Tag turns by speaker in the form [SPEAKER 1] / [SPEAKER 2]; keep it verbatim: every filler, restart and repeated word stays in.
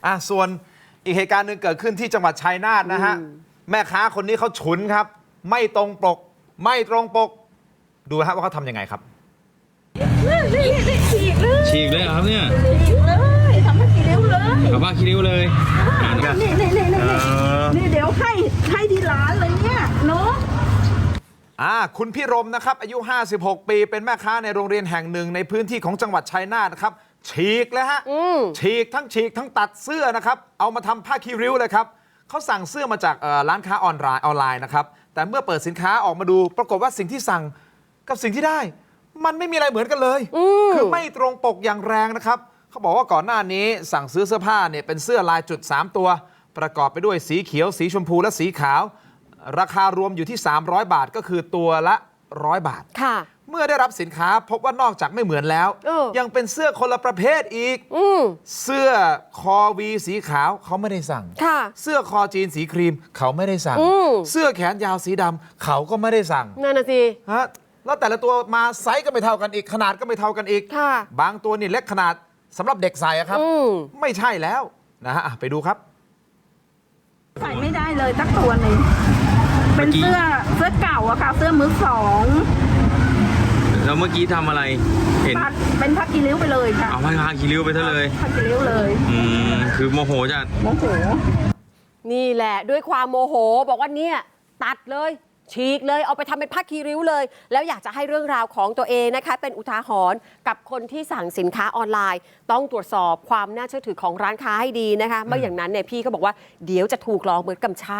[SPEAKER 1] อ่ะส่วนอีกเหตุการณ์หนึ่งเกิดขึ้นที่จังหวัดชัยนาทนะฮะแม่ค้าคนนี้เขาฉุนครับไม่ตรงปกไม่ตรงปกดูฮะว่าเขาทำยังไงครับ
[SPEAKER 2] ฉีกเลย
[SPEAKER 3] ฉีกเลยครับเนี่ย
[SPEAKER 2] ฉีกเลยทำผ้าคีริ้วเลย
[SPEAKER 3] เอาผ้าคีริ้วเลย
[SPEAKER 2] นี่นี่นี่นี่นี่เดี๋ยวให้ให้ที่ร้านเลยเนี่ยเนาะ
[SPEAKER 1] อ่าคุณพี่รมนะครับอายุห้าสิบหกปีเป็นแม่ค้าในโรงเรียนแห่งหนึ่งในพื้นที่ของจังหวัดชัยนาทนะครับฉีกเลยฮะฉีกทั้งฉีกทั้งตัดเสื้อนะครับเอามาทำผ้าคีริ้วเลยครับเขาสั่งเสื้อมาจากร้านค้าออนไลน์ออนไลน์นะครับแต่เมื่อเปิดสินค้าออกมาดูปรากฏว่าสิ่งที่สั่งกับสิ่งที่ได้มันไม่มีอะไรเหมือนกันเลยคือไม่ตรงปกอย่างแรงนะครับเขาบอกว่าก่อนหน้านี้สั่งซื้อเสื้อผ้าเนี่ยเป็นเสื้อลายจุดสามตัวประกอบไปด้วยสีเขียวสีชมพูและสีขาวราคารวมอยู่ที่สามร้อยบาทก็คือตัวละหนึ่งร้อยบาทค่ะเมื่อได้รับสินค้าพบว่านอกจากไม่เหมือนแล้วยังเป็นเสื้อคนละประเภทอีกเสื้อคอวีสีขาวเขาไม่ได้สั่งเสื้อคอจีนสีครีมเขาไม่ได้สั่งเสื้อแขนยาวสีดำเขาก็ไม่ได้สั่ง
[SPEAKER 4] นั่นน่ะสิ
[SPEAKER 1] ฮะแล้วแต่ละตัวมาไซส์ก็ไม่เท่ากันอีกขนาดก็ไม่เท่ากันอีกบางตัวนี่เล็กขนาดสำหรับเด็กใส่ครับไม่ใช่แล้วนะฮะไปดูครับ
[SPEAKER 2] ใส่ไม่ได้เลยสักตัวหนึ่งเป็นเสื้อเสื้อเก่าอะค่ะเสื้อมือสอง
[SPEAKER 3] แล้วเมื่อกี้ทำอะไรเห็น
[SPEAKER 2] เป็นผ้าคีริ้วไปเลยค่ะ
[SPEAKER 3] เอาผ้าคีริ้วไปซะเลย
[SPEAKER 2] ผ้าคีริ้วเลย
[SPEAKER 3] อืมคือโมโหจัด
[SPEAKER 2] โมโห
[SPEAKER 4] นี่แหละด้วยความโมโหบอกว่าเนี่ยตัดเลยฉีกเลยเอาไปทำเป็นผ้าคีริ้วเลยแล้วอยากจะให้เรื่องราวของตัวเองนะคะเป็นอุทาหรณ์กับคนที่สั่งสินค้าออนไลน์ต้องตรวจสอบความน่าเชื่อถือของร้านค้าให้ดีนะคะไม่อย่างนั้นเนี่ยพี่ก็บอกว่าเดี๋ยวจะถูกหลอกเหมือนกับชา